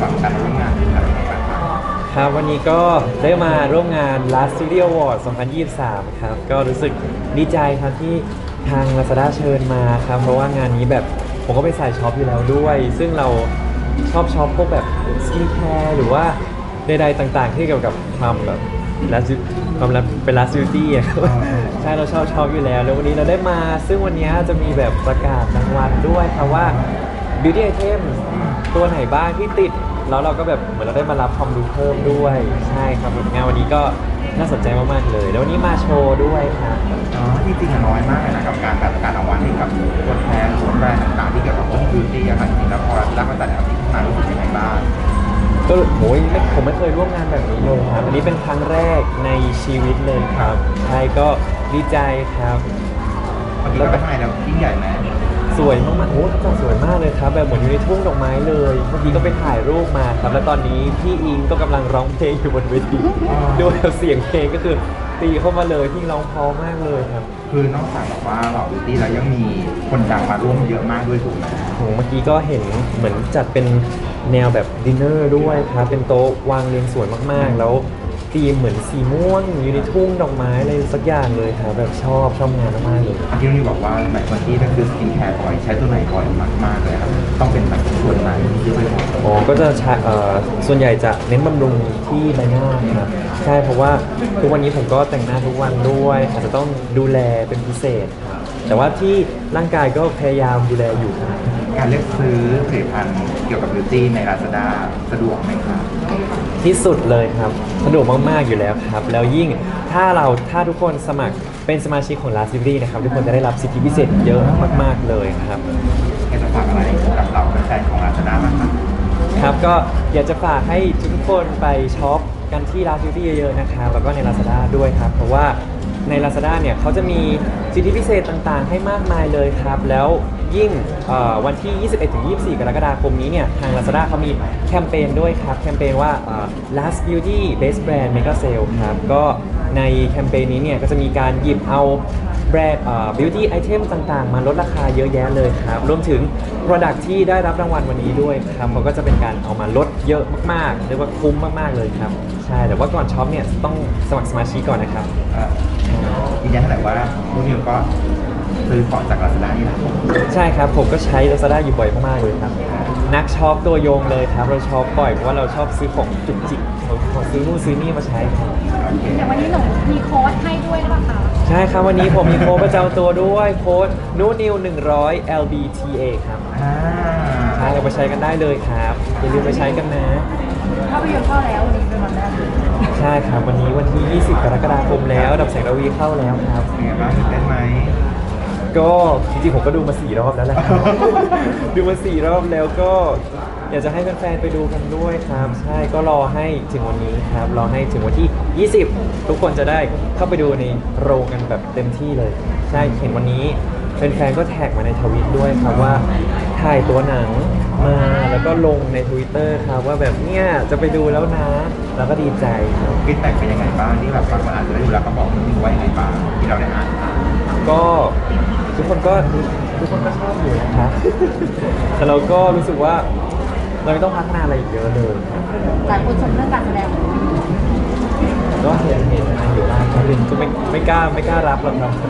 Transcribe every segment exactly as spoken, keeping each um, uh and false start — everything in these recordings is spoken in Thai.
ฟังการร่วมงานอะไรต่างครับวันนี้ก็ได้มาร่วมงาน Last Studio Award สองพันยี่สิบสามครับก็รู้สึกดีใจครับที่ทาง Lazada เชิญมาครับเพราะว่างานนี้แบบผมก็ไปใส่ช็อปอยู่แล้วด้วย ซึ่งเราชอบช็อปพวกแบบสกินแคร์หรือว่าใดๆต่างๆที่เกี่ยวกับความแบบ last ความเป็น last beauty อะครับใช่เราชอบช็อปอยู่แล้วแล้ววันนี้เราได้มาซึ่งวันนี้จะมีแบบประกาศรางวัลด้วยครับว่า beauty item ตัวไหนบ้างที่ติดแล้วเราก็แบบเหมือนเราได้มารับความรู้เพิ่มด้วยใช่ครับงานวันนี้ก็น่าสนใจมากๆเลยแล้ววันนี้มาโชว์ด้วยครับๆอ๋อจริงๆอะน้อยมากเลยนะกับการแบบการรางวัลให้กับตัวแทนหรือแบรนด์ต่างๆที่เกี่ยวกับพวกบิวตี้อะครับจริงๆแล้วพอเราได้มาจัดแนวนี้ขึ้นมารู้สึกยังไงบ้างก็โอ้ยไม่ผมไม่เคยร่วมงานแบบนี้เลยครับอันนี้เป็นครั้งแรกในชีวิตเลยครับใช่ก็ดีใจครับวันนี้เราไปทำไมเรายิ่งใหญ่ไหมสวยมากๆโอ้จัดสวยมากเลยครับแบบเหมือนอยู่ในทุ่งดอกไม้เลยเมื่อกี้ก็ไปถ่ายรูปมาครับแล้วตอนนี้พี่อิงก็กำลังร้องเพลงอยู่บนเวทีด้วยเสียงเพลงก็คือตีเข้ามาเลยพี่ร้องเพราะมากเลยครับคือนอกจากแบบว่าเราบิวตี้แล้วยังมีคนดังมาร่วมเยอะมากด้วยถูกไหมโหเมื่อกี้ก็เห็นเหมือนจัดเป็นแนวแบบดินเนอร์ด้วยครับเป็นโต๊ะวางเรียงสวยมากๆแล้วธีมเหมือนสีม่วงอยู่ในทุ่งดอกไม้อะไรสักอย่างเลยครับแบบชอบชอบงานมากๆเลยที่นี่บอกว่าแบบวันที่ก็คือสกินแคร์บ่อยใช้ตัวไหนบ่อยมากๆเลยครับต้องเป็นแบบส่วนไหนที่ไม่บ่อยอ๋อก็จะใช้เอ่อส่วนใหญ่จะเน้นบำรุงที่ใบหน้าครับใช่เพราะว่าทุกวันนี้ผมก็แต่งหน้าทุกวันด้วยอาจจะต้องดูแลเป็นพิเศษครับแต่ว่าที่ร่างกายก็พยายามดูแลอยู่ครับการเลือกซื้อผลิตภัณฑ์เกี่ยวกับบิวตี้ใน Lazada สะดวกไหมครับที่สุดเลยครับสะดวกมากๆอยู่แล้วครับแล้วยิ่งถ้าเราถ้าทุกคนสมัครเป็นสมาชิกของ Last Beauty นะครับทุกคนจะได้รับสิทธิพิเศษเยอะมากๆเลยครับอยากจะฝากอะไรกับเราแฟนของ Lazada บ้างครับครับก็อยากจะฝากให้ทุกคนไปช็อปกันที่ Last Beauty เยอะๆนะครับแล้วก็ใน Lazada ด้วยครับเพราะว่าใน Lazada เนี่ยเขาจะมีสิทธิพิเศษต่างๆให้มากมายเลยครับแล้วยิ่งวันที่ ยี่สิบเอ็ดถึงยี่สิบสี่ กรกฎาคมนี้เนี่ยทาง Lazada เขามีแคมเปญด้วยครับแคมเปญว่า Last Beauty Best Brand Mega Sale ครับก็ในแคมเปญนี้เนี่ยก็จะมีการหยิบเอาแบรนด์ beauty item ต่างๆมาลดราคาเยอะแยะเลยครับรวมถึง product ที่ได้รับรางวัลวันนี้ด้วยครับเขาก็จะเป็นการเอามาลดเยอะมากๆเรียกว่าคุ้มมากๆเลยครับใช่แต่ว่าก่อนช็อปเนี่ยต้องสมัครสมาชิกก่อนนะครับยืนยันแต่ว่าพวกนิวก็ซื้อของจาก Lazada นี่แหละใช่ครับผมก็ใช้ Lazada อยู่บ่อยมากๆเลยครับนักช็อปตัวยงเลยครับเราช็อปบ่อยเพราะว่าเราชอบซื้อของจุกจิกขอซื้อนู่นซื้อนี่มาใช้ครับแต่วันนี้หนูมีโค้ดให้ด้วยหรือเปล่าคะใช่ครับวันนี้ผมมีโค้ดประจำตัวด้วยโค้ดนูนิวหนึ่งร้อย แอล บี ที เอ ครับใช่เอาไปใช้กันได้เลยครับอย่าลืมไปใช้กันนะภาพยนตร์เข้าแล้ววันนี้เป็นวันแรกใช่ครับวันนี้วันที่ ยี่สิบ กรกฎาคมแล้วดับแสงระวีเข้าแล้วครับเป็นไงบ้างตื่นเต้นไหมก็จริงๆผมก็ดูมาสี่รอบแล้วแหละดูมาสี่รอบแล้วก็อยากจะให้แฟนๆไปดูกันด้วยครับใช่ก็รอให้ถึงวันนี้ครับรอให้ถึงวันที่ ยี่สิบ ทุกคนจะได้เข้าไปดูในโรงกันแบบเต็มที่เลยใช่เห็นวันนี้แฟนๆก็แท็กมาในทวิตด้วยครับว่าถ่ายตัวหนังมาแล้วก็ลงใน Twitter ครับว่าแบบเนี้ยจะไปดูแล้วนะแล้วก็ดีใจครับฟีดแบ็กเป็นยังไงบ้างที่แบบบางคนอาจจะได้ดูแล้วก็บอกมันว่ายังไงบ้างที่เราได้อ่านก็ทุกคนก็ทุกคนก็ชอบอยู่นะครับแต่เราก็รู้สึกว่าเราไม่ต้องพัฒนาอะไรอีกเยอะเลยหลายคนชมเรื่องการแสดงก็เห็นเห็นนะอยู่บ้างครับก็ไม่ไม่กล้าไม่กล้ารับหรอกครับ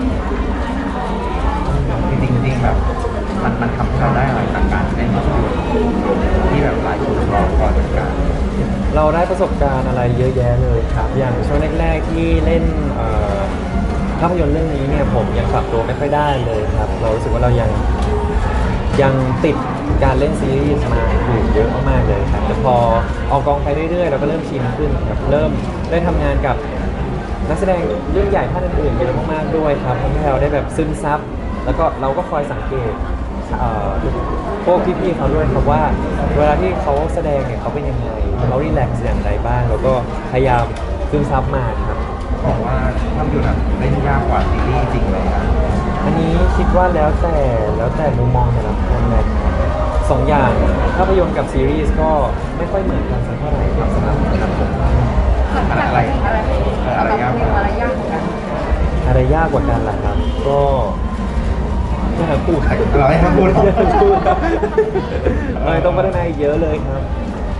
จริงจริงแบบมันมันทำให้เราได้อะไรจากการเล่นภาพยนตร์ที่แบบหลายคนรอคอยเหมือนกันเราได้ประสบการณ์อะไรเยอะแยะเลยครับอย่างช่วงแรกๆที่เล่นภาพยนตร์เรื่องนี้เนี่ยผมยังปรับตัวไม่ค่อยได้เลยครับเรารู้สึกว่าเรายังยังติดการเล่นซีรีส์มาอยู่เยอะมากๆเลยครับแต่พอออกกองไปเรื่อยๆเราก็เริ่มชินขึ้นครับเริ่มได้ทำงานกับนักแสดงเรื่องใหญ่ท่านอื่นๆเยอะมากๆด้วยครับทำให้เราได้แบบซึมซับแล้วก็เราก็คอยสังเกตพวกพี่ๆเขาด้วยครับว่าเวลาที่เขาแสดงเนี่ยเขาเป็นยังไงเขารีแลกซ์อย่างไรบ้างแล้วก็พยายามซึมซับมาครับบอกว่าภาพยนตร์เล่นยากกว่าซีรีส์จริงไหมครับอันนี้คิดว่าแล้วแต่แล้วแต่มุมมองแต่ละคนเลยสองอย่างภาพยนตร์กับซีรีส์ก็ไม่ค่อยเหมือนกันสักเท่าไหร่ครับสำหรับสำหรับผมอะไรอะไรอะไรยากกว่าอะไรยากกว่ากันอะไรยากกว่ากันล่ะครับก็ไม่ทั้งคู่เราให้ทั้งคู่เราต้องพัฒนาอีกเยอะเลยครับ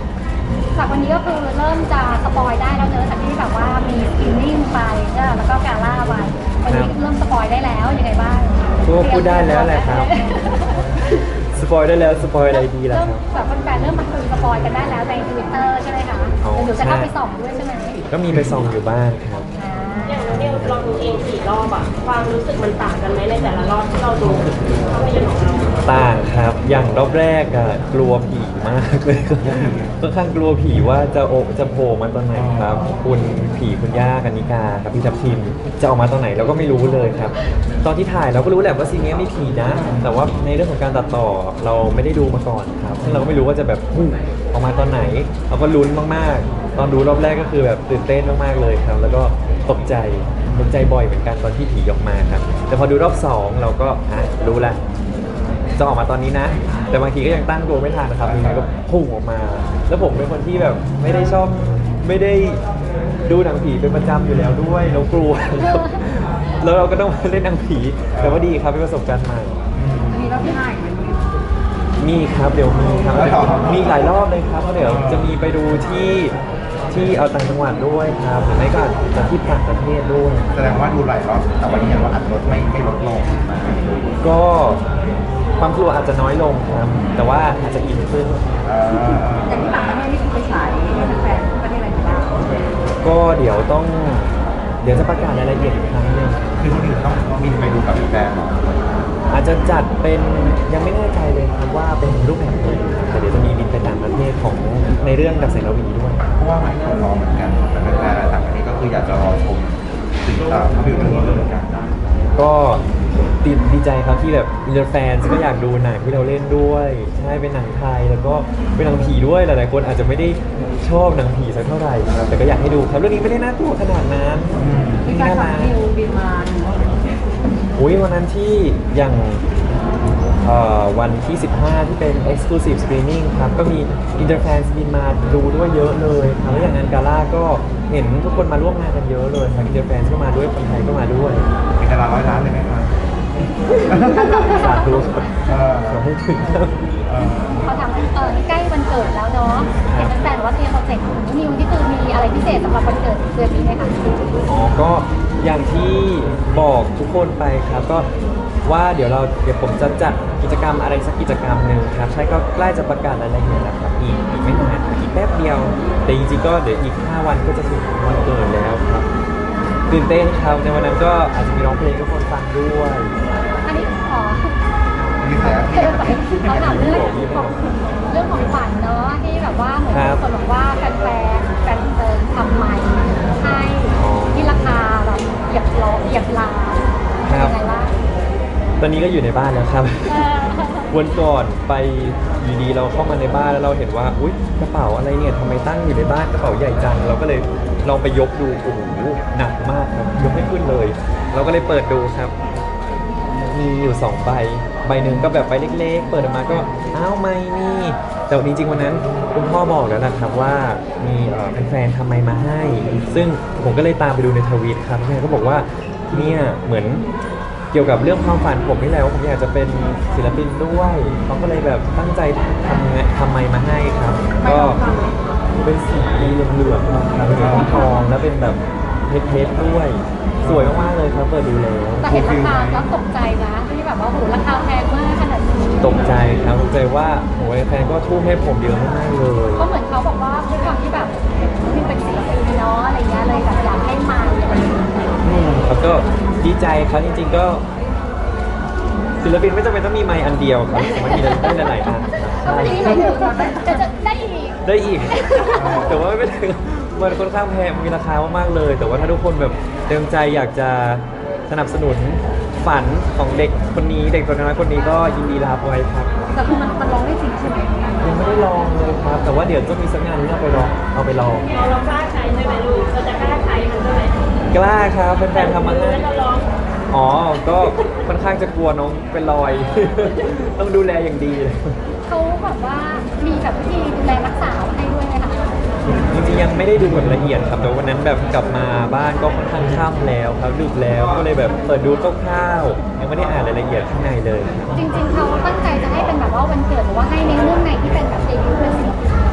จากวันนี้ก็คือเริ่มจะสปอยได้แล้วเนอะจากที่แบบว่ามีสกรีนนิ่งไปเนอะแล้วก็กาล่าไปวันนี้เริ่มสปอยได้แล้วยังไงบ้างก็พูดได้แล้วแหละครับ สปอยได้แล้วสปอยอะไรดีล่ะเริ่มครับแบบแฟนๆเริ่มมาคุยสปอยกันได้แล้วในทวิตเตอร์ใช่ไหมคะอ๋อเดี๋ยวจะเข้าใช่ไปส่องด้วยใช่ไหมก็มีไปส่องอยู่บ้างครับอ่าอย่างน้องนิวลองดูเองกี่รอบอะความรู้สึกมันต่างกันไหมในแต่ละรอบที่เราดูภาพยนตร์ของเราต่างครับ อย่างรอบแรกอะกลัวผีมากเลย ค่อนข้างกลัวผีว่าจะโอจะโผล่มาตอนไหนครับ คุณผีคุณย่ากันนิกาครับพี่ทับทิมจะออกมาตอนไหนเราก็ไม่รู้เลยครับ ตอนที่ถ่ายเราก็รู้แหละว่าซีนนี้มีผีนะ แต่ว่าในเรื่องของการตัดต่อเราไม่ได้ดูมาก่อนครับซึ่งเราก็ไม่รู้ว่าจะแบบพุ่งออกมาตอนไหน เราก็ลุ้นมากๆ ตอนดูรอบแรกก็คือแบบตื่นเต้นมากๆเลยครับ แล้วก็ตกใจตกใจบ่อยเหมือนกันตอนที่ผีออกมาครับ แต่พอดูรอบสองเราก็ฮะรู้ละ จะออกมาตอนนี้นะ แต่บางทีก็ยังตั้งตัวไม่ทันนะครับยังไงก็พุ่งออกมา แล้วผมเป็นคนที่แบบไม่ได้ชอบไม่ได้ดูหนังผีเป็นประจำอยู่แล้วด้วยแล้วกลัว แล้วเราก็ต้องมาเล่นหนังผี แต่ว่าดีครับเป็นประสบการณ์ใหม่มีรอบที่ห้าอีกไหมมีครับเดี๋ยวมีครับมีหลายรอบเลยครับเพราะเดี๋ยวจะมีไปดูที่ที่เอาต่างจังหวัดด้วยครับหรือไม่ก็อาจจะที่ต่างประเทศด้วยแสดงว่าดูหลายรอบแต่วันนี้ยังว่าอัดลดไม่ไม่ลดลงก็ความกลัวอาจจะน้อยลงครับ แต่ว่าอาจจะอินขึ้นเอ่ออย่างที่ต่างประเทศนี่คือไปฉายให้แฟนๆประเทศอะไรบ้างก็เดี๋ยวต้องเดี๋ยวจะประกาศรายละเอียดอีกครั้งหนึ่งคือคนอื่นต้องบินไปดูกับแฟนเหรออาจจะจัดเป็นยังไม่แน่ใจเลยครับว่าเป็นรูปแบบไหนแต่เดี๋ยวจะมีบินไปต่างประเทศของในเรื่องดับแสงระวีด้วยเพราะว่าหลายคนรอเหมือนกันแต่แฟนๆต่างประเทศก็คืออยากจะรอชมสิ่งต่างภาพยนตร์เรื่องนี้ด้วยเหมือนกันก็ดีดีใจครับที่แบบอินเตอร์แฟนก็อยากดูหนังที่เราเล่นด้วยใช่เป็นหนังไทยแล้วก็เป็นหนังผีด้วยหลายๆคนอาจจะไม่ได้ชอบหนังผีสักเท่าไหร่ครับแต่ก็อยากให้ดูครับเรื่องนี้ไม่ได้น่ากลัวขนาดนั้นมีการสั่งคิวบินมาอุ้ยวันนั้นที่อย่างเอ่อวันที่ สิบห้า ที่เป็น Exclusive Screening ครับก็มี Interfans บินมาดูด้วยเยอะเลยครับแล้วอย่างงานกาล่าก็เห็นทุกคนมาร่วมงานกันเยอะเลยครับ Interfans ก็มาด้วยคนไทยก็มาด้วยมีตารางร้อยล้านเลยไหมครับสาธุเออขอให้ถึงครับเออเขาทำเออใกล้วันเกิดแล้วเนาะเห็นแฟนๆว่าเตรียมโปรเจกต์ของนิวที่คือมีอะไรพิเศษสำหรับวันเกิดเดือนนี้ไหมคะอ๋อก็อย่างที่บอกทุกคนไปครับก็ว่าเดี๋ยวเราเดี๋ยวผมจะจัดกิจกรรมอะไรสักกิจกรรมหนึ่งครับใช่ก็ใกล้จะประกาศรายละเอียดแล้วครับอีกอีกไม่นานอีกแป๊บเดียว แต่จริงๆก็เดี๋ยวอีกห้าวันก็จะถึงวันเกิดแล้วครับตื่นเต้นครับในวันนั้นก็อาจจะมีร้องเพลงให้ทุกคนฟังด้วยอันนี้ขอมีแสงเออเขาถามเรื่องของเรื่องของขวัญเนาะที่แบบว่าเหมือนมีคนบอกว่าแฟนแฟนแฟนเติมทำไมให้ที่ราคาแบบเหยียบล้อเหยียบล้านเป็นยังไงบ้างตอนนี้ก็อยู่ในบ้านแล้วครับเออวันก่อนไปอยู่ดีเราเข้ามาในบ้านแล้วเราเห็นว่าอุ๊ยกระเป๋าอะไรเนี่ยทำไมตั้งอยู่ในบ้านกระเป๋าใหญ่จังเราก็เลยลองไปยกดูโอ้โหหนักมากครับยกไม่ขึ้นเลย เราก็เลยเปิดดูครับ มีอยู่สองใบใบหนึ่งก็แบบใบเล็กๆ เปิดออกมาก็อ้าวไม่นี่แต่จริงๆวันนั้นคุณพ่อบอกแล้วนะครับว่ามีเอ่อแฟนๆทำไมมาให้ ซึ่งผมก็เลยตามไปดูในทวิตครับแม่ก็บอกว่าเนี่ยเหมือนเกี่ยวกับเรื่องความฝันผมนี่แหละว่าผมอยากจะเป็นศิลปินด้วยเขาก็เลยแบบตั้งใจทำไงทำไมมาให้ครับ ก็เป็นสีเหลืองๆครับเป็นสีทองแล้วเป็นแบบเพชรๆด้วย สวยมากๆเลยครับเปิดดูแล้วแต่เห็นราคาแล้วตกใจนะที่แบบว่าโหราคาแพงมากขนาดนี้ตกใจครับตกใจว่าโอ้ยแฟนก็ทุ่มให้ผมเยอะมากๆเลยก็เหมือนเขาบอกว่าด้วยความที่แบบมันเป็นศิลปินเนาะอะไรเงี้ยเลยแบบอยากให้มาอะไรอย่างเงี้ยอืมครับก็ดีใจครับจริงๆก็ศิลปินไม่จำเป็นต้องมีไมค์อันเดียวครับมันมีได้หลายๆอันก็ไม่ได้หมายถึงจะจะได้อีกได้อีก แต่ว่าไม่ถึงมันค่อนข้างแพงมีราคามากๆเลย แต่ว่าถ้าทุกคนแบบเต็มใจอยากจะสนับสนุนฝันของเด็กคนนี้เด็กตัวน้อยคนนี้ก็ยินดีรับไว้ครับแต่คือมันมันร้องได้จริงใช่ไหมยังไม่ได้ลองเลยครับ แต่ว่าเดี๋ยวจะมีสักงานที่เอาไปลองเอาไปลองเราเรากล้าใช้ใช่ไหมลูกเราจะกล้าใช้มันใช่ไหมกล้าครับแฟนๆทำมาให้แล้วเราลองอ๋อ ก็ค่อนข้างจะกลัวน้องเป็นรอย ต้องดูแลอย่างดีเลยเขาแบบว่ามีแบบวิธีดูแลรักษาให้ด้วยไหมคะจริงๆยังไม่ได้ดูแบบละเอียดครับ แต่วันนั้นแบบกลับมาบ้านก็ค่อนข้างค่ำแล้วครับดึกแล้ว ก็เลยแบบเปิดดูคร่าวๆยังไม่ได้อ่านรายละเอียดข้างในเลยจริง ๆเขาตั้งใจจะให้เป็นแบบว่าวันเกิดหรือว่าให้ในเรื่องไหนที่เป็นแบบเดบิวต์เป็นศิลปิน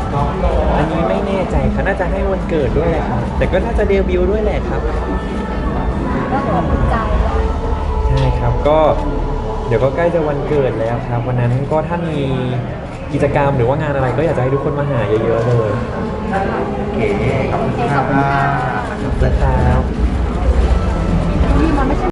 อันนี้ไม่แน่ใจค่ะน่าจะให้วันเกิดด้วยแหละครับแต่ก็น่าจะเดบิวต์ด้วยแหละครับก็ถือว่าภูมิใจใช่ครับก็เดี๋ยวก็ใกล้จะวันเกิดแล้วครับ วันนั้นก็ถ้ามีกิจกรรมหรือว่างานอะไรก็อยากจะให้ทุกคนมาหาเยอะๆเลยโอเคขอบคุณโอเคคขรัอบคุณค่ะบนะครับนี่มันไม่ใช่